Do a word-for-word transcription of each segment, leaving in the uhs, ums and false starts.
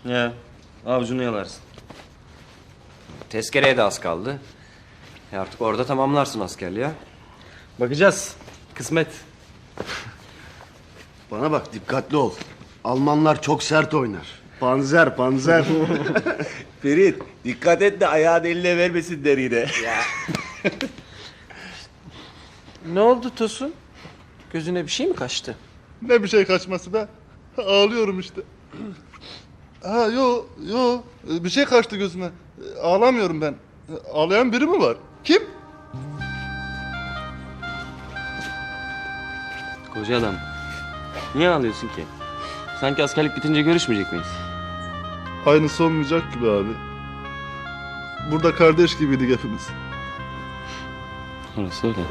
Ya avucunu yalarsın. Tezkereye de az kaldı. E artık orada tamamlarsın askerliği ha. Bakacağız. Kısmet. Bana bak dikkatli ol. Almanlar çok sert oynar. Panzer, panzer. Ferit dikkat et de ayağın eline vermesinler yine. Ne oldu Tosun? Gözüne bir şey mi kaçtı? Ne bir şey kaçması be? Ağlıyorum işte. Ha yo yo bir şey kaçtı gözüme. Ağlamıyorum ben. Ağlayan biri mi var? Kim? Koca adam. Niye ağlıyorsun ki? Sanki askerlik bitince görüşmeyecek miyiz? Aynısı olmayacak gibi abi. Burada kardeş gibiydik hepimiz. Orası öyle.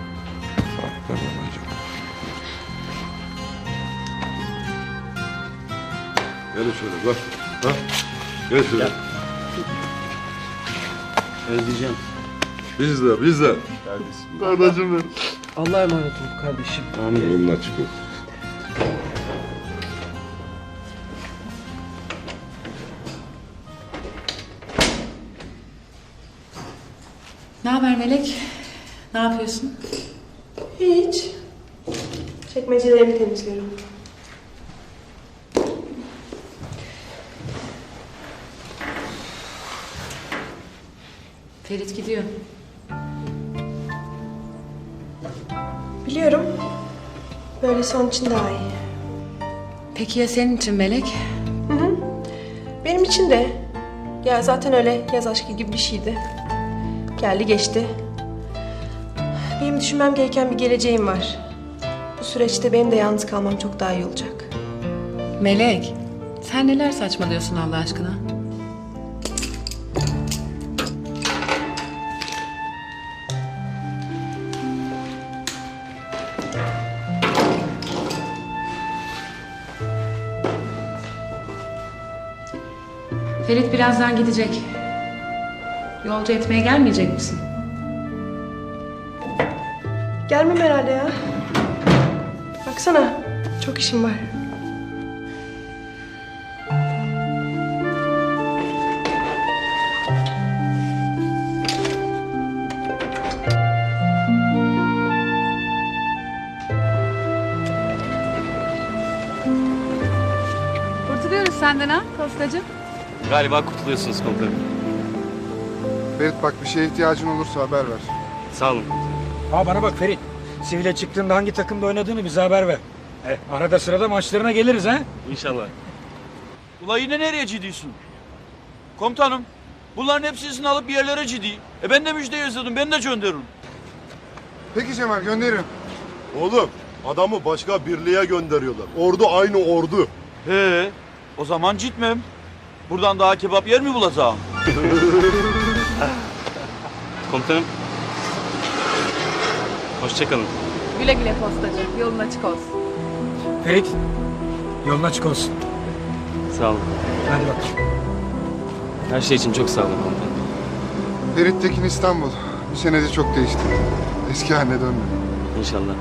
Gel şöyle bak. Ha? Gel şöyle. Özleyeceğim. Biz de biz de. Kardeşim benim. Allah'a emanet ol kardeşim. Amin. Yolun açık olsun. Ne haber Melek? Ne yapıyorsun? Hiç. Çekmecelerimi temizliyorum. Ferit gidiyor. Biliyorum. Böyle son için daha iyi. Peki ya senin için Melek? Hı hı. Benim için de. Ya zaten öyle yaz aşkı gibi bir şeydi. Geldi geçti. Benim düşünmem gereken bir geleceğim var. Bu süreçte benim de yalnız kalmam çok daha iyi olacak. Melek, sen neler saçmalıyorsun Allah aşkına? Ferit birazdan gidecek. Yolcu etmeye gelmeyecek misin? Gelmem herhalde ya. Baksana, çok işim var. Kurtuluyoruz senden ha postacı. Galiba kurtuluyorsunuz komutanım. Ferit bak bir şeye ihtiyacın olursa haber ver. Sağ olun. Ha bana bak Ferit. Sivile çıktığında hangi takımda oynadığını bize haber ver. E, arada sırada maçlarına geliriz ha. İnşallah. Ula yine nereye ciddiyorsun? Komutanım bunların hepsini alıp bir yerlere ciddi. E ben de müjde yazıyordum ben de gönderirim. Peki Cemal gönderirim. Oğlum adamı başka birliğe gönderiyorlar. Ordu aynı ordu. He o zaman gitmem. Buradan daha kebap yer mi bulacağım? Komutanım. Hoşçakalın. Güle güle postacı. Yolun açık olsun. Ferit, yolun açık olsun. Sağ olun. Hadi bak. Her şey için çok sağ olun komutanım. Ferit Tekin İstanbul. Bir senede çok değişti. Eski haline dönmedi. İnşallah.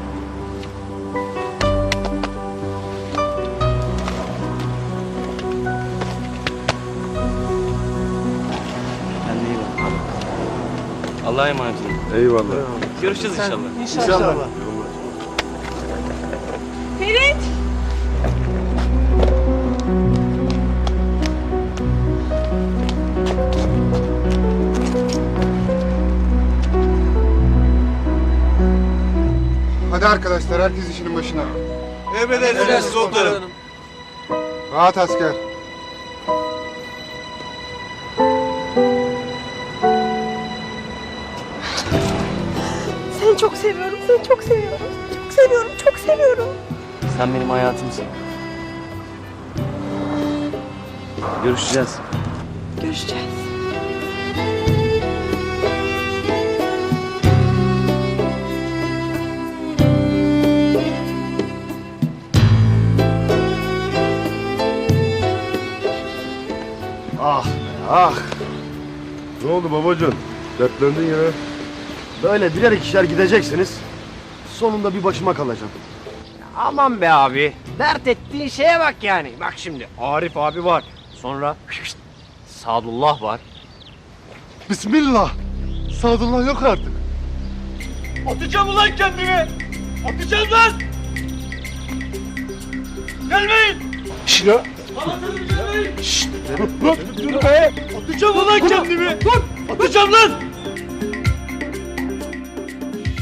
Kendine iyi bak. Allah'a emanet olun. Eyvallah. Görüşeceğiz inşallah. İnşallah. Ferit! Hadi arkadaşlar herkes işinin başına. Emredersiniz komutanım. Rahat asker. Seni çok seviyorum, seni çok seviyorum. Çok seviyorum, çok seviyorum. Sen benim hayatımsın. Görüşeceğiz. Görüşeceğiz. Ah be ah. Ne oldu babacığım? Dertlendin yine. Böyle birer ikişer gideceksiniz. Sonunda bir başıma kalacağım. Aman be abi. Dert ettiğin şeye bak yani. Bak şimdi Arif abi var. Sonra Sadullah var. Bismillah. Sadullah yok artık. Atacağım ulan kendimi! Atacağım lan! Gelmeyin! Şşş ya. Anlatırım gelmeyin! Şşş! Dur be! Atacağım ulan kendimi! Dur! Atacağım lan!